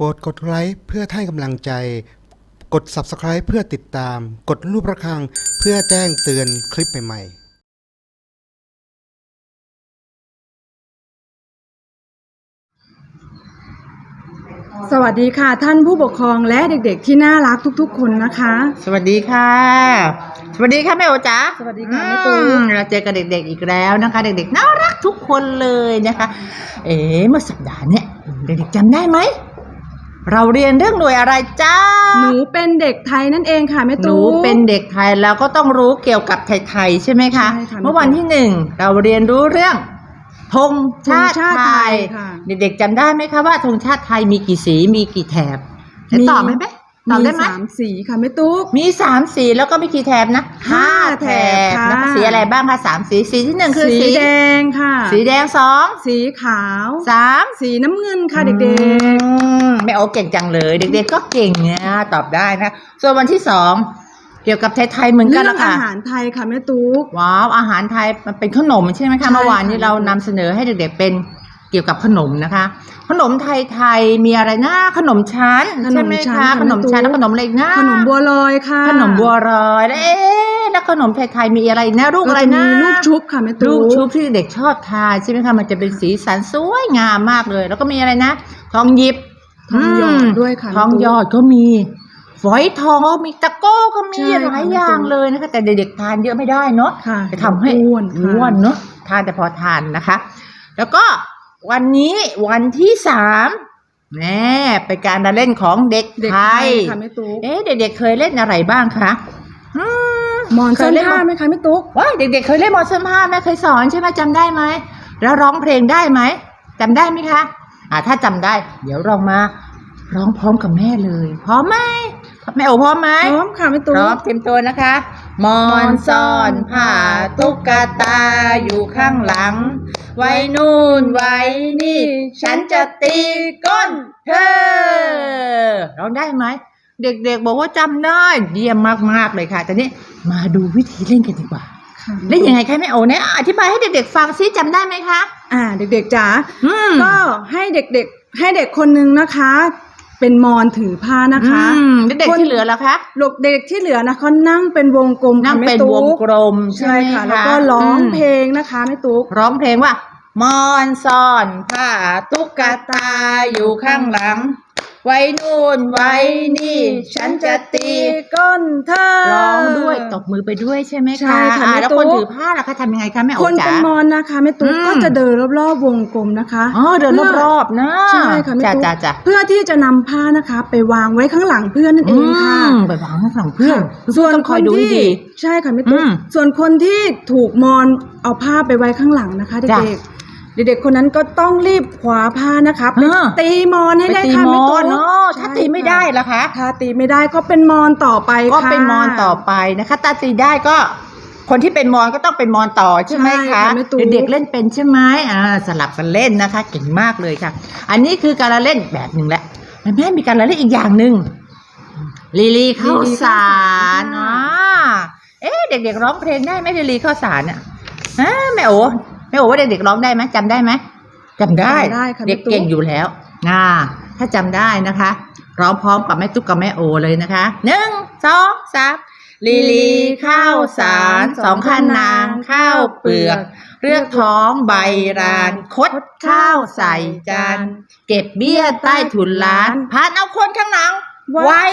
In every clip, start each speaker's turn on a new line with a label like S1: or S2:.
S1: รดกดไลค์เพื่อให้กำลังใจกด Subscribe เพื่อติดตามกดรูประฆังเพื่อแจ้งเตือนคลิปใหม่ๆ
S2: สวัสดีค่ะท่านผู้ปกครองและเด็กๆที่น่ารักทุกๆคนนะคะ
S3: สวัสดีค่ะสวัสดีค่ะแม่โอจ๋า
S2: สวัสดีค่ะแม่ตูน
S3: เราเจอกับเด็กๆอีกแล้วนะคะเด็กๆน่ารักทุกคนเลยนะคะเมื่อสัปดาห์เนี่ยเด็กๆจำได้ไหมเราเรียนเรื่องหน่วยอะไรจ้า
S2: หนูเป็นเด็กไทยนั่นเองค่ะแม่
S3: ห
S2: ตู
S3: นูเป็นเด็กไทยแล้วก็ต้องรู้เกี่ยวกับไทยๆใช่ไหมคะ
S2: ใช่ค่ะ
S3: เมื่อวันที่1เราเรียนรู้เรื่องธงชาติไทย
S2: ค่ะ
S3: เด็กๆจำได้ไหมคะว่าธงชาติไทยมีกี่สีมีกี่แถบตอบไหมตอบได้ไหม
S2: มี3 สีค่ะแม่ตุ๊ก
S3: มี3สีแล้วก็มีกี่แถบนะ5 แถบ
S2: ค่ะ
S3: แล้วก็สีอะไรบ้างคะ3สีสีที่1คือ
S2: สีแดงค่ะ
S3: สีแดง2
S2: สีขาว
S3: 3
S2: สีน้ำเงินค่ะเด็ก
S3: แม่โอเก่งจังเลยเด็กๆก็เก่งเนี่ยตอบได้นะส่วนวันที่2เกี่ยวกับไทยๆเหมือน
S2: ๆ
S3: กัน
S2: เรื่อง
S3: ละ
S2: อา
S3: ค่ะ
S2: หารไทยค่ะแม่ตุ๊ก
S3: ว้าวอาหารไทยมันเป็นขนมใช่ไหม
S2: ใช่
S3: คะเมื่อวานนี้
S2: ค่ะ
S3: เรานำเสนอให้เด็กๆเป็นเกี่ยวกับขนมนะคะ ขนมไทยๆมีอะไรนะขนมชั้นใช่ไหมคะขนมชั้นแล้วขนมอะไรอีกนะ
S2: ขนมบัวลอยค่ะ
S3: ขนมบัวลอยแล้วแล้วขนมไทยๆมีอะไรอีกนะลูกอะไรนะ
S2: มีลูกชุบค่ะแม่
S3: ลู
S2: ตุ๊
S3: ก
S2: ก
S3: ชุบที่เด็กชอบทานใช่ไหมคะมันจะเป็นสีสันสวยงามมากเลย แล้วก็มีอะไรนะทองหยิบ
S2: ทองหยอดด้วยค่ะ
S3: ทองหยอดก็มีฝอยทองมีตะโก้ก็มี
S2: ใช่ค่ะ
S3: หลายอย่างเลยนะคะแต่เด็กๆทานเยอะไม่ได้เนาะ
S2: ค่ะ
S3: จะทำให้
S2: อ้วนค่ะ
S3: อ้วนเนาะทานแต่พอทานนะคะ แล้วก็วันนี้วันที่3แน่เป็นการเล่นของเด็ก
S2: เด็ก
S3: ไท
S2: ไทย
S3: ย
S2: ค่ะแม่ตุ๊ก
S3: เด็กๆเคยเล่นอะไรบ้างคะอืม
S2: หมอนซ่อนผ้าไหมคะแม่ตุ๊ก
S3: ว้ายเด็กๆเคยเล่นหมอนซ่อนผ้าแม่เคยสอนใช่ไหมจำได้ไหมแล้วร้องเพลงได้ไหมจำได้ไหมคะถ้าจำได้ เดี๋ยวลองมาร้องพร้อมกับแม่เลยพร้อมไหมแม่โอพร้อมไหม
S2: พร้อมค่ะแม่ตุ๊
S3: พ
S2: ก
S3: ร้อมเตรียมตัวนะคะหมอนซ่อนผ้าตุ๊กตาอยู่ข้างหลัง ไว้นู่นไว้นี่ ฉันจะตีก้นเธอร้องได้ไหมเด็กๆบอกว่าจำได้เยี่ยมมากๆเลยค่ะแต่นี้มาดูวิธีเล่นกันดีกว่า
S2: ค่ะ
S3: เล่นยังไงคะแม่โอเนี่ยอธิบายให้เด็กๆฟังซิจำได้ไหมคะ
S2: เด็กๆจ๋า
S3: ก็
S2: ก็ให้เด็กๆให้เด็กคนนึงนะคะ เป็นมอนถือผ้านะคะ
S3: เด็กๆที่เหลือแล้วคะ
S2: เด็กที่เหลือนะเขานั่งเป็นวงกลม
S3: นั่ง
S2: ค่ะ
S3: เป็น
S2: แม่ตุ๊
S3: วงกลม
S2: ใช่
S3: ไหม
S2: ค่ะ แล้วก็ร้องเพลงนะคะแม่ตุ๊ก
S3: ร้องเพลงว่ามอนซ่อนผ้าตุ๊กตาอยู่ข้างหลัง ไว้นู่นไว้นี่ ฉันจะตี
S2: ก้นเธอ
S3: ร้องด้วยตบมือไปด้วยใช่ไหมคะ
S2: ใช่ค่ะแม่
S3: แล้ว
S2: ตุ๊ก
S3: คนถือผ้าล่ะคะทำยังไงคะแม่โอ
S2: คน
S3: จ๋า
S2: เป็นมอนนะคะแม่ตุ๊ก
S3: อืม
S2: ก็จะเดินรอบๆวงกลมนะคะ
S3: เดินรอบๆนะ
S2: ใช่ค่ะแม่ตุ๊ก
S3: จ้า
S2: เพื่อที่จะนำผ้านะคะ ไปวางไว้ข้างหลังเพื่อนนั่นเองค่ะ
S3: ไปวางข้างหลังเพื่อน
S2: ส่วน
S3: ต้อง
S2: ค
S3: คอย
S2: น
S3: ดูให้
S2: ที่
S3: ดี
S2: ใช่ค่ะแม่ตุ๊ก
S3: อืม
S2: ส่วนคนที่ถูกมอนเอาผ้าไปไว้ข้างหลังนะคะ
S3: จ้ะ
S2: เด็กๆคนนั้นก็ต้องรีบคว้าผ้านะคะไป
S3: อ่า
S2: ตีมอนให้
S3: ไป
S2: ได้
S3: ตี
S2: ค่ะ
S3: ม
S2: แม่
S3: อ
S2: ตุ๊
S3: น
S2: ก
S3: เนาะถ้าตีไม่ได้ล่ะคะ
S2: ถ้าตีไม่ได้ก็เป็นมอนต่อไป
S3: ก็
S2: ค่ะ
S3: เป็นมอนต่อไปนะคะถ้าตีได้ก็ คนที่เป็นมอนก็ต้องเป็นมอนต่อใช่ไหม
S2: ใช่
S3: คะ
S2: ค่ะแม่ตุ๊ก
S3: เด็กๆเล่นเป็นใช่ไหมสลับกันเล่นนะคะเก่งมากเลยค่ะ อันนี้คือการละเล่นแบบหนึ่งแหละแล้วแม่มีการละเล่นอีกอย่างหนึ่งลีข้าวสารเด็กๆร้องเพลงได้ไหมลีข้าวสารแม่โอว่าเด็กๆร้องได้ไหมจำได้ไหมจำได้
S2: จำได้ค่ะ
S3: เด็ก
S2: แม่ตุ๊ก
S3: เก่งอยู่แล้วถ้าจำได้นะคะร้องพร้อมกับแม่ตุ๊กกับแม่โอเลยนะคะ1 2 3ลีข้าวสาร2ข้านางข้าวเปลือกเลือกท้องใบรานคดข้าวใส่จานเก็บเบี้ยใต้ถุนร้านพานเอาคนข้างหลังไว้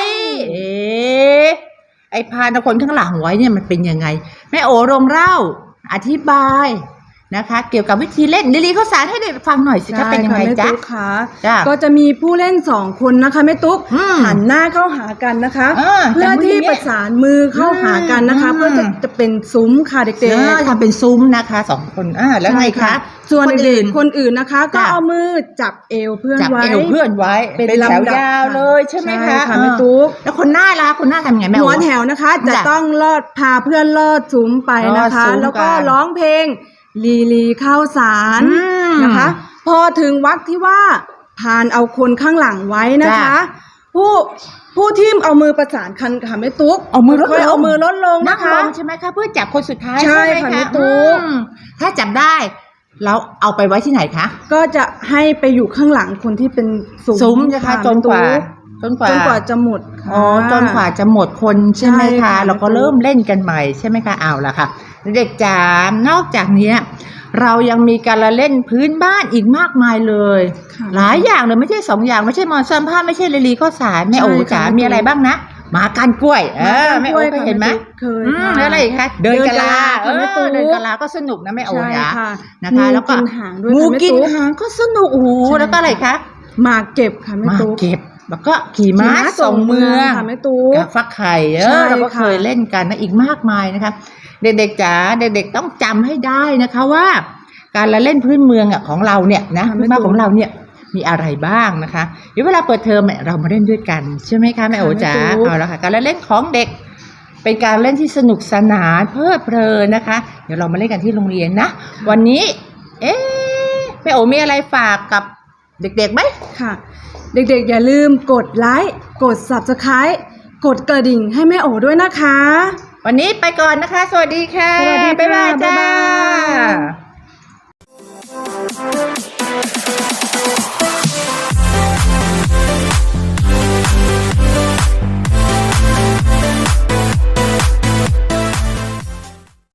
S3: ไอ้พานเอาคนข้างหลังไว้เนี่ยมันเป็นยังไงแม่โอลงเล่าอธิบายนะคะ เกี่ยวกับวิธีเล่นลีข้าวสารให้เด็กฟังหน่อยสิคะเป็นยังไง
S2: ใช่ค่ะแม่
S3: จ๊ะ
S2: ตุ๊กค่ะ
S3: จ้ะ
S2: ก็จะมีผู้เล่น2 คนนะคะแม่ตุ๊ก หันหน้าเข้าหากันนะคะ เพื่อที่ประสานมือเข้าหากันนะคะ เพื่อจะเป็นซุ้มค่ะเด็ก
S3: ทำเป็นซุ้มนะคะ2 คนแล้วไงคะ
S2: ๆส่วนเด็กๆคนอื่นนะคะ ก็
S3: จ้ะ
S2: เอามือจับเอวเพื่อน
S3: จับ
S2: ไว้
S3: เอวเพื่อนไว้
S2: เป็น
S3: แถว
S2: ลำดับ
S3: ยาวเลยใช่ไหมคะ
S2: ค่ะแม่ตุ๊ก
S3: แล้วคนหน้าล่ะคนหน้าทำยังไงแม่
S2: หัว
S3: โอ๋
S2: แถวนะคะ จะ
S3: จ้ะ
S2: ต้องพาเพื่อนลอดซุ้มไปนะคะ
S3: ลอดซุ้ม
S2: แล้วก็
S3: กัน
S2: ร้องเพลงลีข้าวสาร นะคะ พอถึงวรรคที่ว่าพานเอาคนข้างหลังไว้นะคะ ผู้ที่เอามือประสานกันค่ะแม่ตุ๊ก
S3: เอามือลดลง
S2: ค่อยเอามือลดลง
S3: นั่
S2: นะ
S3: ง
S2: คะ
S3: ลงใช่ไหมคะเพื่อจับคนสุดท้าย
S2: ใช่
S3: ใช่ไหม
S2: ค่ะ
S3: คะ
S2: แม่ตุ๊ก
S3: ถ้าจับได้แล้วเอาไปไว้ที่ไหนคะ
S2: ก็จะให้ไปอยู่ข้างหลังคนที่เป็นซุ้ม
S3: นะคะ
S2: ค่ะ
S3: จนกว่า
S2: จนกว่าจะหมดค่ะ
S3: อ๋อจนกว่าจะหมดคนใช่ไหม
S2: ใช่
S3: คะ
S2: ค่ะ
S3: เราก็เริ่มเล่นกันใหม่ใช่ไหมคะเอาละค่ะเด็กจ๋านอกจากเนี้ยเรายังมีการละเล่นพื้นบ้านอีกมากมายเลย
S2: ค่ะ
S3: หลายอย่างเลยไม่ใช่2อย่างไม่ใช่มอนซัมผ้าไม่ใช่ลีลีข้าวสารแม่โอ๋
S2: ใช่ค่ะ
S3: จ๋า
S2: แม่ตุ๊ก
S3: มีอะไรบ้างนะหมาก้านกล้วยแม่โอ๋เคยเห็นไหม
S2: เคย
S3: อืม
S2: ค่ะ
S3: แล้วอะไรอีกคะเดินกะลา
S2: เดินกะลาค่ะแม่ตุ๊ก
S3: เดินกะลาก็สนุกนะแม่โอ๋
S2: ใช่
S3: จ๋า
S2: ค่ะ
S3: นะคะแล้วก็
S2: งูกินหางด้วย
S3: งู
S2: ค่ะแม่
S3: กิน
S2: ตุ๊ก
S3: หางก็สนุกโอ้โห
S2: ใช่
S3: แล้วก็อะไรคะ
S2: หมากเก็บค่ะแม่
S3: มา
S2: ตุ๊ก
S3: เก็บแล้วก็ขี่ม้าส่งเมือง
S2: ค่ะแม่ตุ๊ก
S3: กับฟักไข่
S2: ใช่
S3: เราก็
S2: ค่ะ
S3: เคยเล่นกันนะอีกมากมายนะคะเด็กๆจ๋าเด็กๆต้องจำให้ได้นะคะว่า การละเล่นพื้นเมืองอ่ะของเราเนี่ยนะพื้นบ้านของเราเนี่ยมีอะไรบ้างนะคะเดี๋ยวเวลาเปิดเทอมเนี่ยเรามาเล่นด้วยกันใช่ไหมคะแม่โอ๋จ๋าเอาละค่ะการละเล่นของเด็ก เป็นการเล่นที่สนุกสนานเพลิดเพลินนะคะ เดี๋ยวเรามาเล่นกันที่โรงเรียนนะวันนี้แม่โอ๋มีอะไรฝากกับเด็กๆไหม
S2: ค่ะ เด็กๆอย่าลืมกดไลค์กด Subscribe กดกระดิ่งให้แม่โอ๋ด้วยนะคะ
S3: วันนี้ไปก่อนนะคะ สวัสดีค่ะ
S2: สวัสดีค่ะ
S3: บ๊ายบายจ้า
S2: บ๊ายบาย